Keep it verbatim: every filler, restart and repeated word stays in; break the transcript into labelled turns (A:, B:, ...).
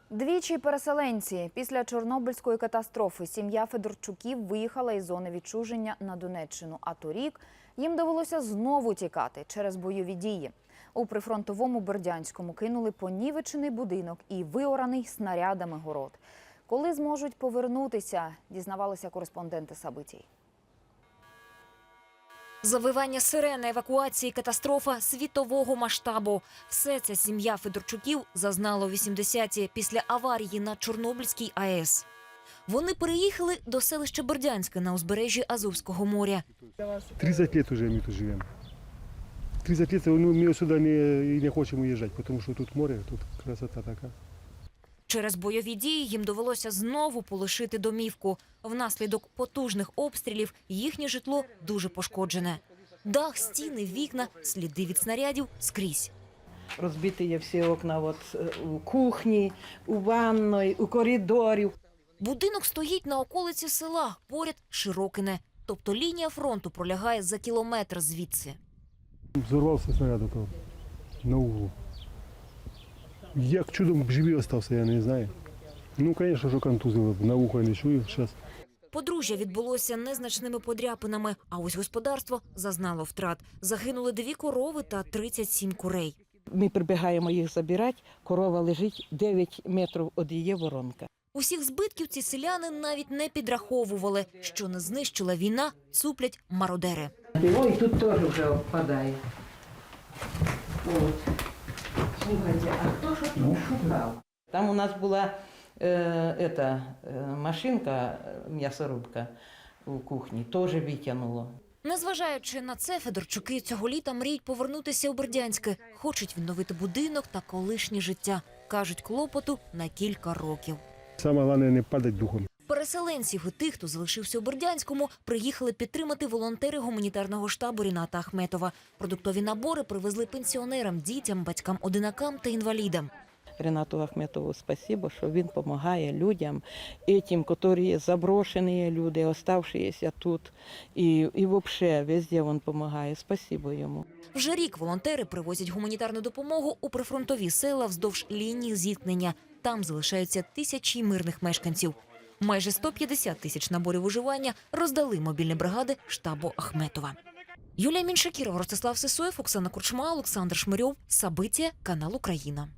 A: Двічі переселенці. Після Чорнобильської катастрофи сім'я Федорчуків виїхала із зони відчуження на Донеччину. А торік їм довелося знову тікати через бойові дії. У прифронтовому Бердянському кинули понівечений будинок і виораний снарядами город. Коли зможуть повернутися, дізнавалися кореспонденти Сабитій.
B: Завивання сирени, евакуації, катастрофа світового масштабу. Все це сім'я Федорчуків зазнала у вісімдесяті після аварії на Чорнобильській АЕС. Вони переїхали до селища Бердянське на узбережжі Азовського моря.
C: тридцать лет уже мы тут живем. тридцать лет, ну, мы сюда не, не хотим уезжать, потому что тут море, тут красота такая.
B: Через бойові дії їм довелося знову полишити домівку. Внаслідок потужних обстрілів їхнє житло дуже пошкоджене. Дах, стіни, вікна, сліди від снарядів скрізь.
D: Розбиті є всі окна от, у кухні, у ванної, у коридорі.
B: Будинок стоїть на околиці села, поряд Широкине. Тобто лінія фронту пролягає за кілометр звідси.
C: Взорвался снаряд на углу. Як чудом живий остався, я не знаю. Ну, звісно, що контузило, на ухо не чую зараз.
B: Подружжя відбулося незначними подряпинами, а ось господарство зазнало втрат. Загинули дві корови та тридцять сім курей.
D: Ми прибігаємо їх забирати, корова лежить дев'ять метрів від її воронка.
B: Усіх збитків ці селяни навіть не підраховували. Що не знищила війна, цуплять мародери.
D: Ой, тут теж вже впадає. От. Слухайте, а хто ж тут шукав? Там у нас була е, ета, е, машинка, м'ясорубка у кухні, теж витягнуло.
B: Незважаючи на це, Федорчуки цього літа мріють повернутися у Бердянське. Хочуть відновити будинок та колишнє життя. Кажуть, клопоту на кілька років.
C: Саме головне не падати духом.
B: Переселенців і тих, хто залишився у Бердянському, приїхали підтримати волонтери гуманітарного штабу Ріната Ахметова. Продуктові набори привезли пенсіонерам, дітям, батькам-одинакам та інвалідам.
D: Рінату Ахметову спасибо, що він допомагає людям, тим, які заброшені люди, залишилися тут. І, і взагалі, везде він допомагає. Спасибо йому.
B: Вже рік волонтери привозять гуманітарну допомогу у прифронтові села вздовж лінії зіткнення. Там залишаються тисячі мирних мешканців. Майже сто п'ятдесят тисяч наборів виживання роздали мобільні бригади штабу Ахметова. Юлія Міншакірова, Ростислав Сисоєв, Оксана Курчма, Олександр Шмирьов. Сабиття, канал Україна.